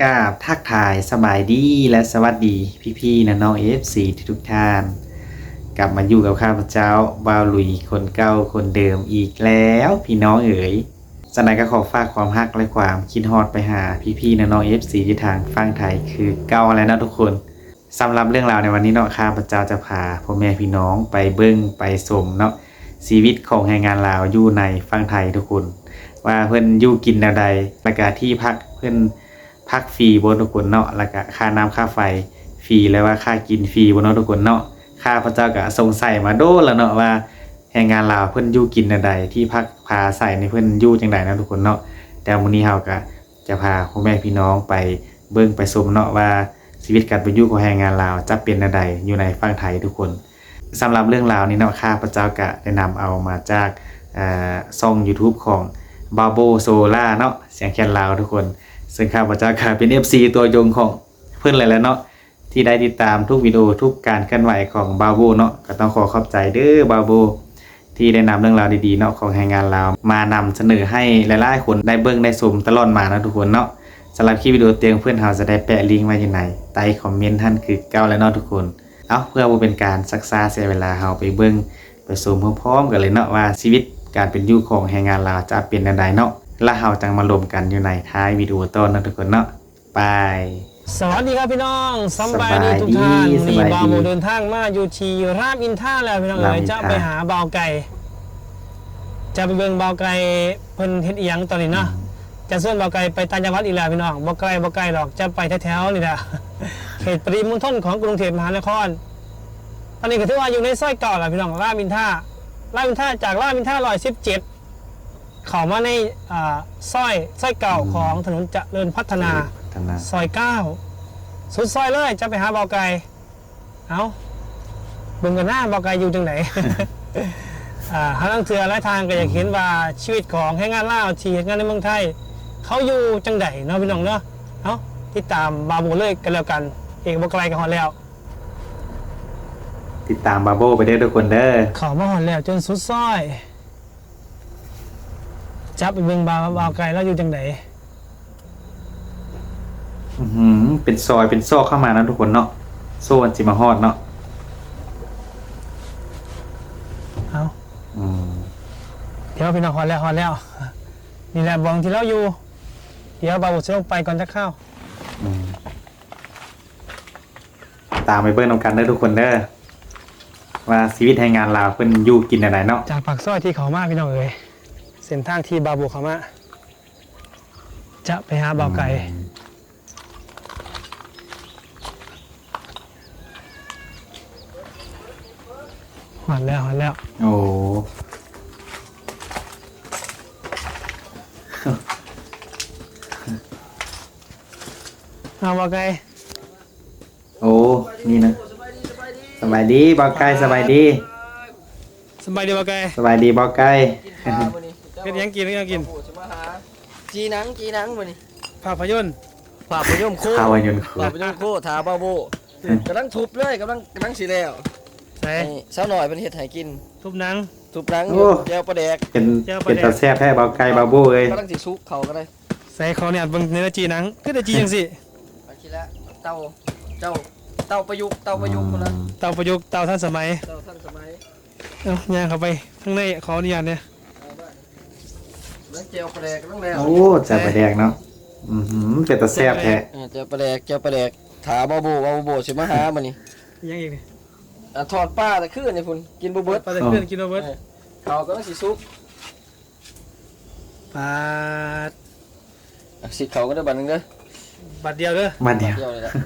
กราบทักทายสบายดีและสวัสดีพี่ๆนะน้อง FC ทุกท่านกลับมาอยู่กับข้าพเจ้าบ่าวหลุยคนเก่าคนเดิมอีกแล้วพี่น้องเอ๋ยสนายก็ขอฝากความฮักและความคิดฮอดไปหาพี่ๆนะน้อง FC ที่ทางฟังไทยคือเก่าแล้วนะทุกคนสำหรับเรื่องราวในวันนี้เนาะข้าพเจ้าจะพาพ่อแม่พี่น้องไปเบิ่งไปชมเนาะชีวิตของแรงงานลาวอยู่ในฟังไทยทุกคนว่าเพิ่นอยู่กินแนวใดและก็ที่พักเพิ่นพักฟรีบ่ทุกคนเนาะแล้วก็ค่าน้ำค่าไฟฟรีแล้วว่าค่ากินฟรีบ่เนาะทุกคนเนาะข้าพเจ้าก็สงสัยมาโดนแล้วเนาะว่าแรงงานลาวเพิ่นอยู่กินแนวใดที่พักพาใส่ในเพิ่นอยู่จังไดนะทุกคนเนาะแต่มื้อนี้เฮาก็จะพาพ่อแม่พี่น้องไปเบิ่งไปชมเนาะว่าชีวิตการเป็นอยู่ของแรงงานลาวจะเป็นแนวใดอยู่ในฝั่งไทยทุกคนสำหรับเรื่องราวนี้เนาะข้าพเจ้าก็ได้นำเอามาจากช่อง YouTube ของบาโบโซล่าเนาะเสียงแคนลาวทุกคนซึ่งข้าพเจ้าก็เป็น FC ตัวยงของเพื่อนเลยแหล้วเนาะที่ได้ติดตามทุกวิดีโอทุกการเคลื่อนไหวของบาโบเนาะก็ต้องขอขอบใจเด้อบาโบที่ได้นำเรื่องราวดีๆเนาะของแรงงานลาวมานำเสนอให้หลายๆคนได้เบิ่งได้ชมตลอดมานะทุกคนเนาะสำหรับคลิปวิดีโอเตียงเพื่อนเฮาจะได้แปะลิงก์ไว้อยู่ในใต้คอมเมนต์ท่านคือเก่าแล้วเนาะทุกคนเอาเพื่อบ่เป็นการซักซ้าเสียเวลาเฮาไปเบิ่งไปชมพร้อมๆกันเลยเนาะว่าชีวิตการเป็นอยู่ของแรงงานลาวจะเป็นจังไดเนาะแล้วเฮาจังมารวมกันอยู่ในท้ายวิดีโอต้นนะทุกคนเนาะไปสวัสดีครับพี่น้องสบายดีทุกท่านนี่บ่าวโมเดินทางมาอยู่ที่รามอินทราแล้วพี่น้องเอ๋ยจะไปหาบ่าวไก่จะไปเบิ่งบ่าวไก่เพิ่นเฮ็ดอีหยังตอนนี้เนาะจะส่วนบ่าวไก่ไปต่างจังหวัดอีกแล้วพี่น้องบ่ไกลหรอกจะไปแถวๆนี่แหละเขตปริมณฑลของกรุงเทพมหานครตอนนี้ก็ถือว่าอยู่ในซอยเก่าแหละพี่น้องรามอินทราจากรามอินทรา117เข้ามาในซอยเก่าของถนนเจริญพัฒนาซอย9สุดซอยเลยจะไปหาบ่าวไก่เอาเบิ่งกันหน้าบ่าวไก่อยู่จังไหน หาทางเถื่อหลายทางก็อยากเห็นว่าชีวิตของแรงงานลาวที่เฮ็ดงานในเมืองไทยเขาอยู่จังไดเนาะพี่น้องเนาะเอาติดตามบาโบเลยกันแล้วกันเอกบ่ไกลกันฮอดแล้วติดตามบาโบไปเด้อทุกคนเด้อเข้ามาฮอดแล้วจนสุดซอยจับไปเบิ่งบ่าวไก่แล้วอยู่จังไดเป็นซอยเป็นซอกเข้ามานะทุกคนเนาะโซนสิมาฮอดเนาะเอาเดี๋ยวพี่น้องฮอดแล้วนี่แหละบองที่เราอยู่เดี๋ยวบ่าวจะลงไปก่อนจะเข้าตามไปเบิ่งนำกันเด้อทุกคนเด้อว่าชีวิตแรงงานลาวเพิ่นอยู่กินอะไรเนาะจากปากซอยที่เขามาพี่น้องเอ๋ยเส้นทางที่บาโบเขามาจะไปหาบ่าวไก่หอดแล้วโอ้เอาบ่าวไก่โอ้นี่นะสบายดีบ่าวไก่สบายดีบ่าวไก่สบายดีบ่าวไก่เป็นยังกินจีนังมานี่ภาพยนตร์โคถาบ้าโบกำลังทุบเลยกำลังสีแล้วใส่เช้าหน่อยเป็นเห็ดไห่กินทุบหนังแก้วปลาแดกเป็นตาแซ่บแท้บ่าวไก่บ่าวโบเอ้ยกำลังสิซุกเขาก็ได้ใส่เขาเนี่ยบางเนื้อจีนังก็ได้จีจังสิเอาทีละเต่าประยุกต์คนละเตาประยุกต์เตาท่านสมัยเอาย่างเข้าไปข้างในขออนุญาตเนี่ยแล้วแก้วปลาแดกต้องแล้วโอ้แซ่บปลาแดกเนาะเป็นตาแซ่บแท้แก้วปลาแดกถาบ้าโบสิมาหามานี่ยังอีกถอดป้าตะขึ้นนี่พุ่นกินบุเบิร์ตปลาตะขึ้นกินบุเบิร์ตเขาก็ต้องสิซุกปลาสิเขาก็ได้บัตรนึงเด้อบาทเดียวเด้อบาทเดียวเลยละ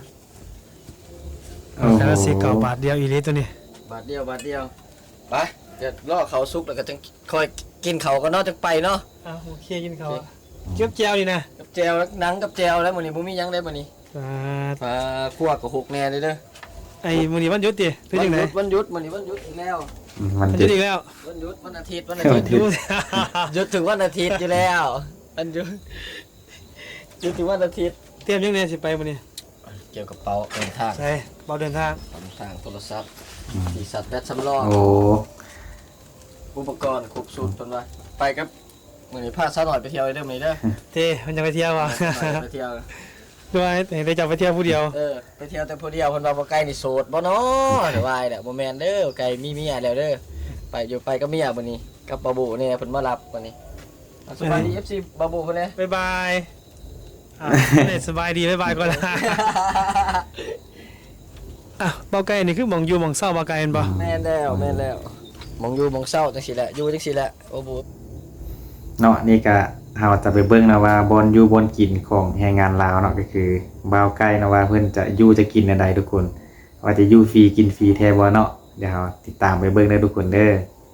แล้วสิเก่าบาทเดียวอีลีตัวนี้บาทเดียวไปเดี๋ยวล่อเขาซุกแล้วก็จะคอยกินเขาก็นอกจากไปเนาะโอเคกินเขาเก็บแจวดีนะกับแจวแล้วนังกับแจวแล้วมื้อนี้บ่มียังได้มื้อนี้ปลาคั่วกับหกแน่เลยเด้อไอ้มื้อนี้วันหยุดติคือจังได๋วันหยุดมื้อนี้วันหยุดอีกแล้ววันหยุดอีกแล้ววันหยุดวันอาทิตย์หยุดถึงวันอาทิตย์อยู่แล้ววันหยุดถึงวันอาทิตย์เตรียมยังไงสิไปมื้อนี้เกี่ยวกับเป๋าเดินทางใช่เป๋าเดินทางโทรศัพท์ที่สัตว์แบตสำรองโอ้อุปกรณ์ครบสูตรเพิ่นว่าไปครับมื้อนี้พาซะหน่อยไปเที่ยวเด้อมื้อนี้เด้อเท่มันจะไปเที่ยวอ่ะไปเที่ยวด้วยได้จับไปเที่ยวผู้เดียวไปเที่ยวแต่ผู้เดียวเพิ่นว่าบ่ไกลนี่โสดบ่เนาะเดี๋ยววายแหละบ่แม่นเด้อไกลมีเมียแล้วเด้อไปอยู่ไปก็เมียบัดนี้กับบาบูเนี่ยเพิ่นมารับบัดนี้สวัสดี FC บาบูเพิ่นเด้บ๊ายบายสบายดีบ๊ายบายก่อนนะอ่ะเบาไก่นี่คือหมองอยู่หมองเศร้าเบาไก่เห็นปะแม่นแล้วมองอยู่มองเศร้าจังซี่แหละอยู่จังซี่แหละโอ้บูเนาะนี่ก็เฮาจะไปเบิ่งนะว่าบอนอยู่บอนกินของแรงงานลาวเนาะก็คือบ่าวไก่นะว่าเพิ่นจะอยู่จะกินอันใดทุกคนว่าจะอยู่ฟรีกินฟรีแท้บ่เนาะเดี๋ยวเราติดตามไปเบิ่งได้ทุกคนเด้อ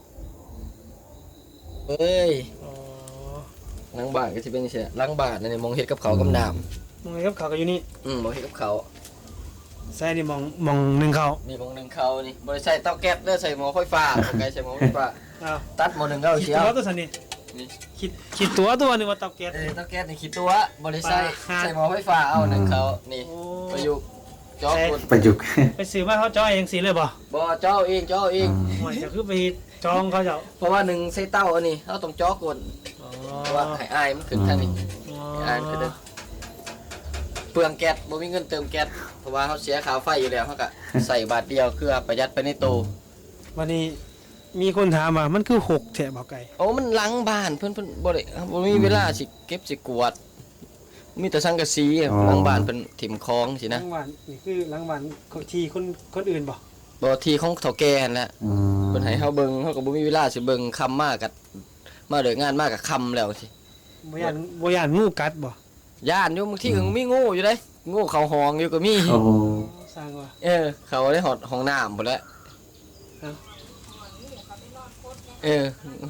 เอ้ยหลังบ้านก็สิเป็นจังซี่หลังบ้านนี่มองเฮ็ดกับเขาวกับน้ำมองไงครับเขาก็อยู่นี่มองเฮ็ดกับเขาวใช่นี่มองหนึ่งเขานี่มองหนึงเขานี่บ่ได้ใช้เตาแก๊สเด้อใส่หม้อไฟฟ้าบ่ไกลใส่หม้อไฟฟ้าอ้าวตัดหม้อหนึงก็เอาคิดเชียตัว วตัวสันนี่นี่คิดตัวหนึงว่าเตาแก๊สเตาแก๊สนี่คิดตัวบ่ได้ใส่หม้อไฟฟ้าเอาหนึงเขานี่โอ้ประยุกต์จ่อกุดประยุกต์ไปซื้อมาเขาจ้อยเองสีเลยป่ะบ่จ่อเองหวยจะคือไปจองเขาเจ้าเพราะว่าหนึ่งใส่เต้าอันนี้เราต้องจ่อกดอ๋อเพราะว่าให้อายมันขึ้นทางนี้ให้อายมันขึ้นเด้อเปลืองแก๊สบ่มีเงินเติมแก๊สเพราะว่าเขาเสียค่าไฟอยู่แล้วเขาก็ใส่บาทเดียวคือประหยัดไปในตู้วันนี้มีคนถามว่ามันคือหกแถบเบาไก่โอ้มันหลังบ้านเพิ่นบ่ได้บ่มีเวลาสิเก็บสิกวาดมีแต่สังกะสีหลังบ้านเพิ่นถิ่มคลองสิหนะลังวันนี่คือหลังวันที่คนอื่นป่ะบ่ที่ของเฒ่าแก่นั่นแหละอืมเพิ่นให้เฮาเบิ่งเฮาก็บ่มีเวลาสิเบิ่งค่ำมากกับมาเลิกงานมากกับค่ำแล้วสิบ่ยานงูกัดบ่ย่านอยู่บางทีก็มีงูอยู่เด้งูเข้าห้องอยู่ก็มีโอ้โหสร้างว่าเขาได้หอดห้องน้ำหมดแล้วครับเออ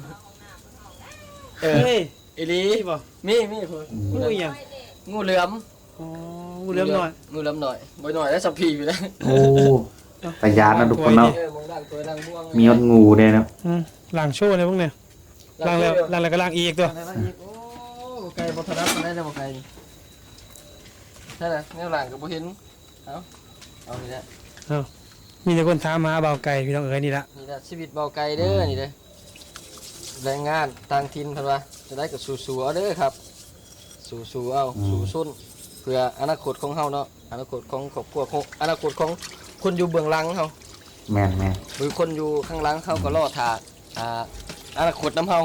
เฮ้ยอีหลีนี่บ่มีเพิ่นงูอีหยังงูเหลือมอ๋องูเหลือมหน่อยงูเหลือมหน่อยบ่หน่อยแล้วสับพีอยู่แล้วโอ้ประหยัดนะทุกคนเนาะมองดังตัวดังม่วงมียอดงูด้วยเนาะล้างโชว์เลยพวกเนี่ยล้างแล้วก็ล้างอีกตัวโอ้ไก่บ่ทันรับได้แล้วบ่ไก่ใช่ล่ะแนวหลังก็บ่เห็นเอานี่แหละมีแต่คนถามหาเบาไก่พี่น้องเอ๋ยนี่ละนี่ล่ะชีวิตเบาไก่เด้อนี่เด้อแรงงานต่างถิ่นเพิ่นว่าจะได้ก็สู้ๆเอาเด้อครับสู้ๆเอาสู้ซุ่นเพื่ออนาคตของเฮาเนาะอนาคตของครอบครัวของอนาคตของคนอยู่เบื้องหลังเฮาแม่นหรือคนอยู่ข้างหลังเขาก็รอท่าอนาคตน้ำเฮา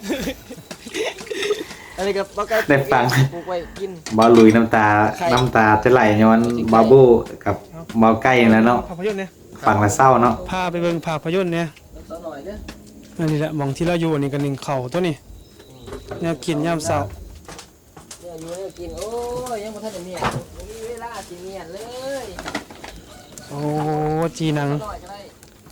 อันนี้ก็บ่ไก่ได้ฟังปลูกไว้กินบ่ลุยน้ำตาจะไหลย้อนบาโบกับบ่าวไก่นั่นแหล้วเนาะภาพยนตร์เนี่ยฟังแล้วเศร้าเนาะพาไปเบิ่งภาพยนตร์เนี่ยสักหน่อยเด้ออันนี้แหละหมองที่เราอยู่นี่กันหนึ่งเข่าตัวนี้แนวกินยามเช้าเนี่ยอยู่เนี่ยกินโอ้ยยังบ่ทันได้เมียนบ่มีเวลาสิเมียนเลยโอ้จีหนังสักหน่อยก็ได้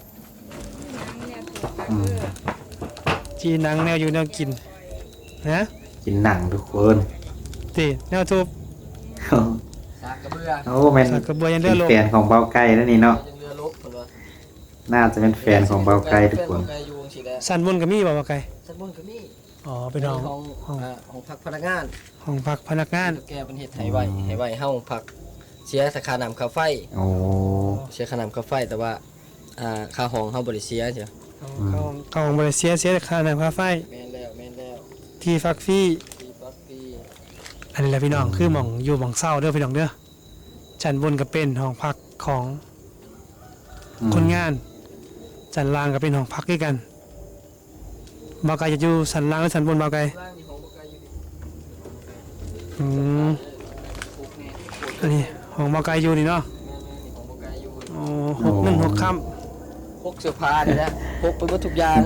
อืมจีหนังแนวอยู่แนวกินนะกินหนังทุกคนตีแนวทูบสากกระเบือโอ้แม่นสักกระเบือยังเลือดลงแฟนของบ่าวไก่นั่นนี่เนาะยังเรือลบเพิ่นว่าน่าจะเป็นแฟนของบ่าวไก่ทุกคนแฟเบาไก่อยู่จังซี่แหละสันบนกับมีบ่เบาไก่สันบนก็มีอ๋อเป็นห้องของพักพนักงานห้องพักพนักงานแกเป็นเฮ็ดให้ไว้เฮาพักเสียค่าน้ำค่าไฟโอ้เสียค่าน้ำค่าไฟแต่ว่าค่าห้องเฮาบ่ได้เสียเสียเข้าห้องบริเสียแต่ค่าน้ำค่าไฟแม่นแล้วที่ฟักฟรีปีปักปีอันนี้แหละพี่น้องคือหมองอยู่หมองเศร้าเด้อพี่น้องเด้อชั้นบนก็เป็นห้องพักของคนงานชั้นล่างก็เป็นห้องพักด้วยกันเบาไก่จะอยู่ชั้นล่างหรือชั้นบนเบาไก่ล่างนี่ของบ่ไกลอยู่ดิอืมปลูกแน่อันนี้ห้องเบาไก่อยู่นี่เนาะแม่นนี่ของบ่ไกลอยู่โอ้6 ค่พกเสื้อผ้านี่แหละพกไปหมดทุกอย่าง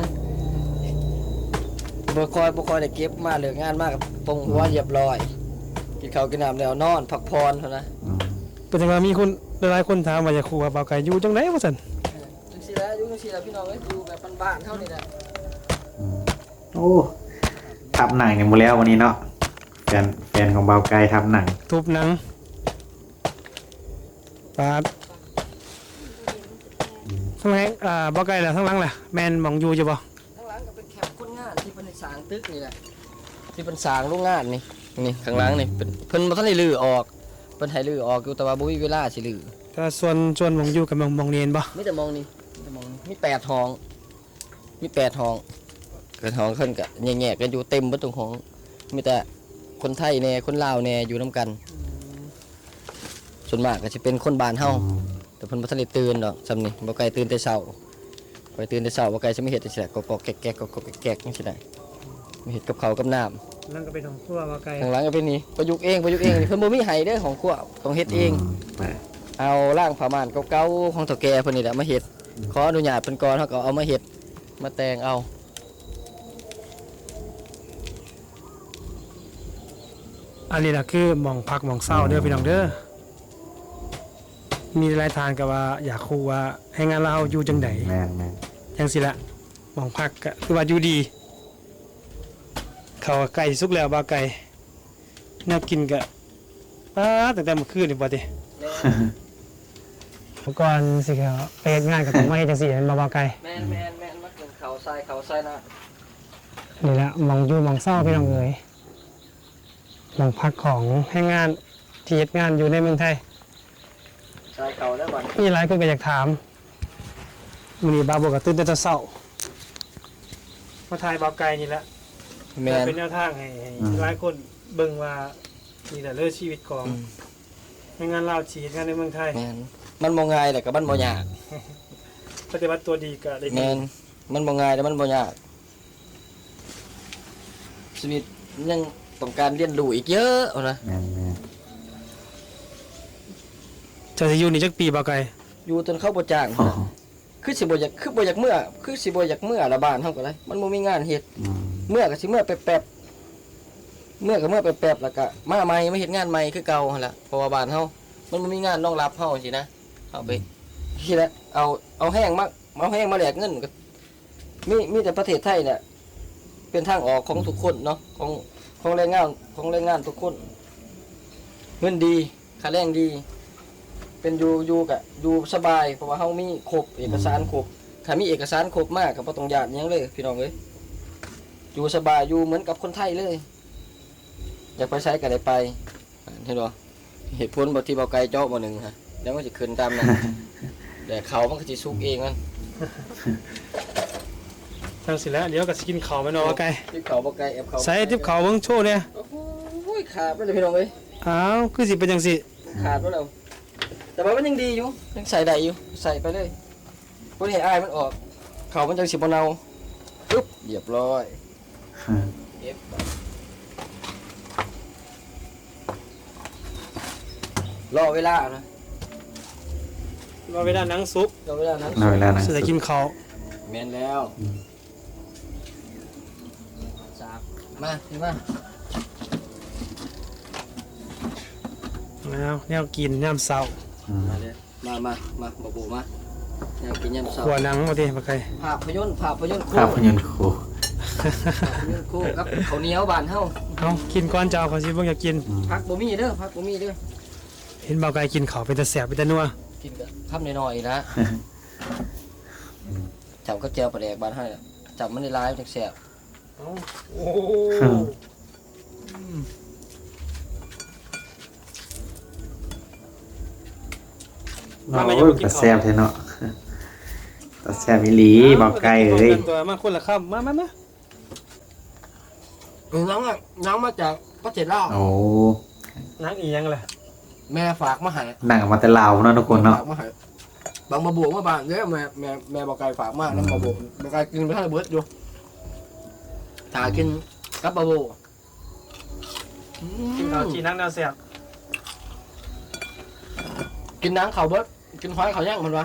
บ่ค่อยได้เก็บมาเลิกงานมากับปงหัวเรียบร้อยกินข้าวกินน้ำแล้วนอนพักผ่อนเท่านั้นอืมำเป็นจังว่ามีคนหลายๆคนถามว่าจะครูว่าเบาไก่อยู่จังได๋ว่าซั่นจังซี่แหละอยู่จังซี่แหละพี่น้องเอ้ยอยู่แบบบ้านๆเท่านี้แหละอืมโอ้ทับหนังเนี่ยหมดแล้ววันนี้เนาะแฟนของบ่าวไก่ทับหนังทุบหนังปาดข้างหลังเบาไก่ล่ะข้างหลังล่ะแม่นหมองอยู่อยู่บ่ข้างหลังก็เป็นแคมป์คนงานที่เพิ่นได้สร้างตึกนี่แหละที่เพิ่นสร้างโรงงานนี่ข้างหลังนี่เป็นเพิ่นบ่ทันได้รื้อออกเพิ่นให้รื้อออกอยู่แต่ว่าบ่มีเวลาสิรื้อแต่ส่วนหมองอยู่กับหมองเรียนบ่มีแต่มองนี่มี8ห้องมี8ห้องเกิดห้องเพิ่นก็แยกๆกันอยู่เต็มเบิดทุกห้องมีแต่คนไทยแน่คนลาวแน่อยู่นํกันส่วนมากก็จะเป็นคนบ้านเฮาแต่เพิ่นบ่ทันได้ตื่นดอกซำนี่บ่ไกลตื่นแต่เช้าไปตื่นแต่เช้าบ่ไกลจะไม่เฮ็ดจังซี่แหละกอกๆแก๊กๆกอกๆแก๊กๆจังซี่ได้ไม่เฮ็ดกับข้าวกับน้ำนั่นก็เป็นของครัวบาไก่ข้างหลังก็เป็นนี่ประยุกต์เองนี่เพิ่นบ่มีให้เด้อของครัวต้องเฮ็ดเอง เอาร่างผ้าม่านเก่าๆของเฒ่าแก่เพิ่นนี่แหละมาเฮ็ดขออนุญาตเพิ่นก่อนเฮาก็เอามาเฮ็ดมาแต่งเอาอันนี้ล่ะคือหม่องพักหม่องเศร้าเด้อพี่น้องเด้อมีรายทานกับว่าอยากคูว่าให้งานเราอยู่จังไดแม่นจังสิละหม่องพักก็คือว่าอยู่ดีเขาวไก่สุกแล้วบาไก่แนวกินก็ป้าตั้งแต่เมื่อคืนนี่บ่ติก่อนสิครับไปเฮ็ดงานก็ต้องมาเฮ็ดจังซี่เห็นบ่บาไก่แม่นมากินข้าวใส่นะนี่แหละหม่องอยู่หม่องเศร้าพี่น้องเอ้ยหม่องพักของให้งานที่เฮ็ดงานอยู่ในเมืองไทยใส่ข้าวแล้วบัดมีหลายคนก็อยากถามมื้อนี้บาบ่ก็ตื่นแต่เช้ามาถ่ายบาไก่นี่แหละแม่นเป็นแนวทางให้หลายคนเบิ่งว่านี่แหละเรื่องชีวิตของในงานลาวชีวิตงานในเมืองไทยแม่นมันบ่ง่ายแต่ก็มันบ่ยากปฏิบัติตัวดีก็ได้ดีแม่นมันบ่ง่ายแต่มันบ่ยากชีวิตยังต้องการเรียนรู้อีกเยอะเอานะแม่นจะอยู่นี่จักปีบ่ไกลอยู่จนเข้าบ่จ้างอ๋อคือสิบ่อยากเมื่อคือสิบ่อยากเมื่อละบ้านเฮาก็ได้มันบ่มีงานเฮ็ด เมื่อก็สิเมื่อแป๊บๆเมื่อก็เมื่อแป๊บๆแล้วก็มาใหม่มาเฮ็ดงานใหม่คือเก่าหั่นล่ะเพราะว่าบ้านเฮามันบ่มีงานรองรับเฮาสินะเอาไปสิละเอาแห้งมาแลกเงินก็มีแต่ประเทศไทยเนี่ยเป็นทางออกของทุกคนเนาะของแรงงานทุกคนเงินดีค่าแรงดี เป็นอยู่กะอยู่สบายเพราะว่าเฮามีครบเอกสารครบถ้ามีเอกสารครบมากก็บ่ต้องญาติหยังเลยพี่น้องเอ้ยอยู่สบายอยู่เหมือนกับคนไทยเลย อยากไปใช้ก็ได้ไปเห็นบ่เหตุผลบ่ที่เบาไกลเจาะบ่หนึงฮะแล้วมันสิขึ้นตามนั้น แต่เขามันก็สิสุกเองมันจังสิแล้วเดี๋ยวก็สิกินข้าวแม่นบ่ไกลที่เขาบ่ไกลแอบเขาใส่ทิปข้าวเบิ่งโชว์เนี่ยโอ้โหขาดไปเลยพี่น้องเอ้ยอ้าวคือสิเป็นจังซี่ขาดไปแล้วแต่ว่ามันยังดีอยู่ยังใส่ได้อยู่ใส่ไปเลยบ่ได้ให้อายมันออกเขามันจังสิบ่เน่าปึ๊บเรียบร้อย เก็บไปรอเวลานะว่าเวลาหนังสุกรอเวลานั้นเอาเวลานะสิได้กินข้าวแมนแล้วสามมาขึ้นมาแล้วแนวกินยามเช้ามาเลยมาบ่บูมาอยากกินยำเสาขัวหนังบ่ติบ่ไกลภาพยนตร์คู่ภาพยนตร์ครูภาพยนตร์คู่ครับข้าวเหนียวบ้านเฮาเอากินก่อนเจ้าขอสิเบิ่งอยากกินผักบ่มีเด้อผักบ่มีเด้อเห็นบ่ไกลกินข้าวเป็นตาแซ่บเป็นตานัวกินกับคำน้อยๆนะจับก็แจวปลาแดกบ้านเฮาเนี่ยจับมันได้หลายจังแซ่บโอ้โอ้ยตาแซ่บแท้เนาะตาแซ่บอีหลีบอกไกลเอ้ยตัวมาคนละคำมาน้องมาจากประเทศลาวโอ้นังอีหยังล่ะแม่ฝากมาให้หนังมาแต่ลาวเนาะทุกคนเนาะฝากมาให้บางมาบวกมาบ้านเด้อแม่บอกไก่ฝากมาแล้วมาบวกบอกไก่กินไปให้เบิดอยู่ถ้ากินกับบะโบกินข้าวจีนังแนวแซ่บกินน้ำเขาเบิดกินหอยเขาย่างมันวะ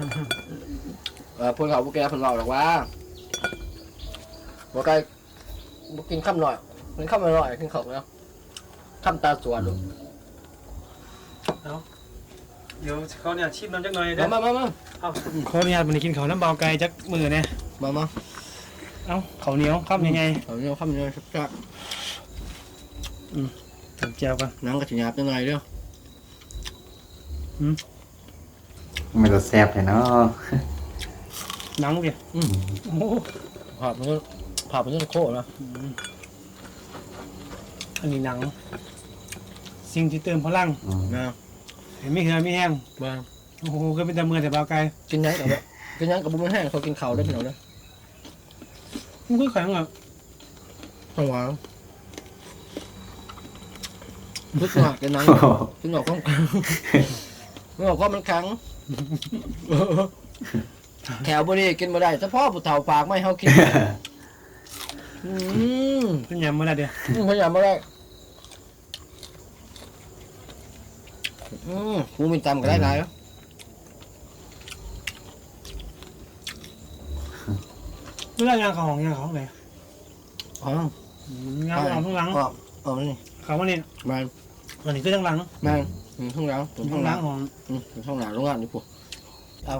พวกเขาพวกแกเพิ่นเล่าหรอกว่าบอกไก่บ่กินข้ามหน่อยกินข้ามหน่อยกินเขาแล้วข้ามตาสวนดูเดี๋ยวเขาเนี่ยชิมน้ำจักหน่อยเด้อมาเอาขออนุญาตวันนี้กินข้าวน้ำเบาไก่จักมือเนี่ยมาเอาข้าวเหนียวข้ามยังไงเขาเนี่ยข้ามเนี่ยชักถึงแก้วกันน้ำกระถิ่นหยาบจังไงเด้อมันจะแซ่บเลยเนาะหนังเดียวโอ้โหผ่ามันจะโคตรนะอันนี้หนัง สิ่งที่เติมพลังนะเห็นไม่เหือไม่แห้งมาโอ้โหก็เป็นแต่มือแต่เบาไก่กินยังกับบุ้งแห้งเขากินข้าวได้พี่น้องเด้อมันคือแข็งอ่ะข้าวหวานพึกหนักกันนังพึกหนักก็พึกหนักก็มันขังแถวบริกินมาได้เฉพาะผู้เฒ่าปากไม่เขากินขึ้นยำมาได้เดียวพยายามมาได้กูมีตำก็ได้หลายแล้วเรื่องยางของยางของไหนอ๋องานของข้างหลังอ๋อนี่เขาว่านี่มาอันนี้คือข้างหลังมาข้างหลังข้างหลังของข้างหลังโรงงานนี่ปุ๊เอา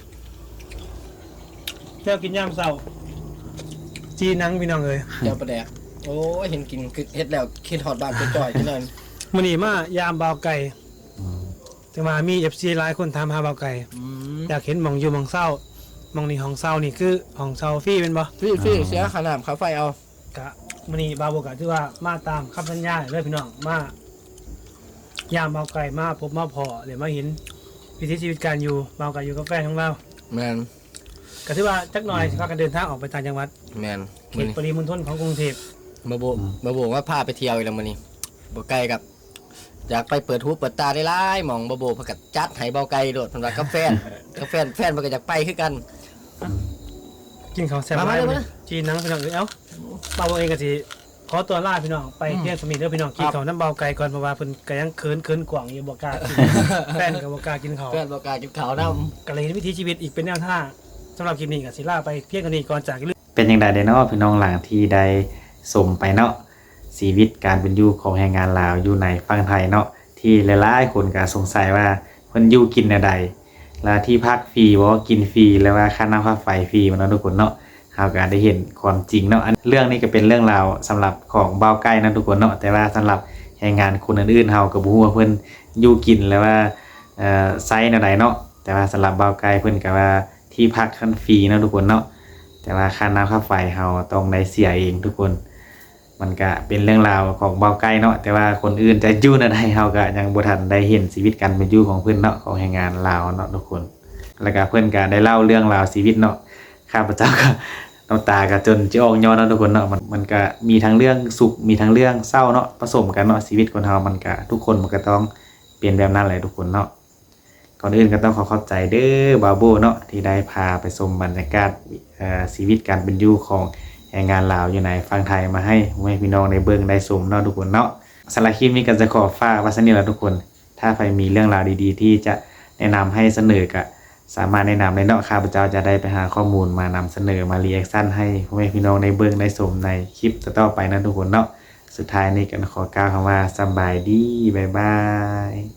เจ้ากินยำเศร้าจีนังพี่น้องเลยเจ้าประแดกโอ้ยเห็นกินเฮ็ดแล้วคิดฮอดบ้านไปจ่อยที่นั่นมื้อนี้มายามเบาไก่แต่ว่ามี FC หลายคนถามหาเบาไก่อยากเห็นหม่องอยู่หม่องเศร้าหม่องนี้ห้องเศร้านี่คือห้องเศร้าฟรีเป็นบ่ฟรีเสียค่าน้ำค่าไฟเอากะมื้อนี้บาโบกะถือว่ามาตามคำสัญญาเลยพี่น้องมายามเบาไก่มาพบมาพอเดี๋ยวมาเห็นวิถีชีวิตการอยู่เบาไก่อยู่กับแฟนของเราแม่นก็ถือว่าจักหน่อยพากันเดินทางออกไปต่างจังหวัดแม่นเขตปริมณฑลของกรุงเทพมาโบว่าพาไปเที่ยวอีกแล้วมื้อนี้บ่ไกลกับอยากไปเปิดหูเปิดตาได้หลายหม่องบ่โบพากันจัดให้เบาไก่โดดเพิ่นว่ากับแฟนมันก็อยากไปคือกันกินข้าวแซ่บหลายจีนนังพี่น้องเอ้าเบาเองก็สิขอตัวลาพี่น้องไปเที่ยวสมิธเด้อพี่น้องกินข้าวน้ำเบาไก่ก่อนเพราะว่าเพิ่นก็ยังเขินกว่างอยู่บ่กล้ากินแฟนก็บ่กล้ากินข้าวแฟนบ่กล้ากินข้าวนำก็เลยวิถีชีวิตอีกเป็นแนวทางสำหรับคลิปนี้ก็สิลาไปเพียงเท่านี้ก่อนจากเป็นจังได๋เด้อเนาะพี่น้องหลังที่ได้สมไปเนาะชีวิตการเป็นอยู่ของแรงงานลาวอยู่ในฝั่งไทยเนาะที่หลายๆคนก็สงสัยว่าเพิ่นอยู่กินแนวใดแล้วที่พักฟรีบ่กินฟรีแล้วว่าค่าน้ำค่าไฟฟรีมันเนาะทุกคนเนาะเฮาก็ได้เห็นความจริงเนาะเรื่องนี้ก็เป็นเรื่องราวสำหรับของเบาใกล้นะทุกคนเนาะแต่ว่าสำหรับแรงงานคนอื่นๆเฮาก็บ่ฮู้ว่าเพิ่นอยู่กินแล้วว่าไซส์แนวใดเนาะแต่ว่าสำหรับเบาใกล้เพิ่นก็ว่าที่พักคันฟรีเนาะทุกคนเนาะแต่ว่าค่าน้ำค่าไฟเฮาต้องได้เสียเองทุกคนมันก็เป็นเรื่องราวของเบาใกล้เนาะแต่ว่าคนอื่นจะอยู่แนวใดเฮาก็ยังบ่ทันได้เห็นชีวิตการเป็นอยู่ของเพิ่นเนาะของแรงงานลาวเนาะทุกคนแล้วก็เพิ่นก็ได้เล่าเรื่องราวชีวิตเนาะข้าพเจ้าก็น้ำตาก็จนจะออกย้อนเนาะทุกคนเนาะมันก็มีทั้งเรื่องสุขมีทั้งเรื่องเศร้าเนาะผสมกันเนาะชีวิตคนเฮามันก็ทุกคนมันก็ต้องเปลี่ยนแบบนั้นแหละทุกคนเนาะก่อนอื่นก็ต้องขอขอบใจเด้อบาโบเนาะที่ได้พาไปชมบรรยากาศชีวิตการเป็นอยู่ของแรงงานลาวอยู่ในฝั่งไทยมาให้พี่น้องได้เบิ่งได้ชมเนาะทุกคนเนาะสำหรับคลิปนี้ก็จะขอฝากไว้ซั่นนี้แหละทุกคนถ้าใครมีเรื่องราวดีๆที่จะแนะนำให้เสนอก็สามารถแนะนำในเนาะข้าพเจ้าจะได้ไปหาข้อมูลมานำเสนอมารีแอคชั่นให้พี่น้องได้เบิ่งได้ชมในคลิปต่อไปนะทุกคนเนาะสุดท้ายนี้ก็ขอกล่าวคำว่าสบายดีบ๊ายบาย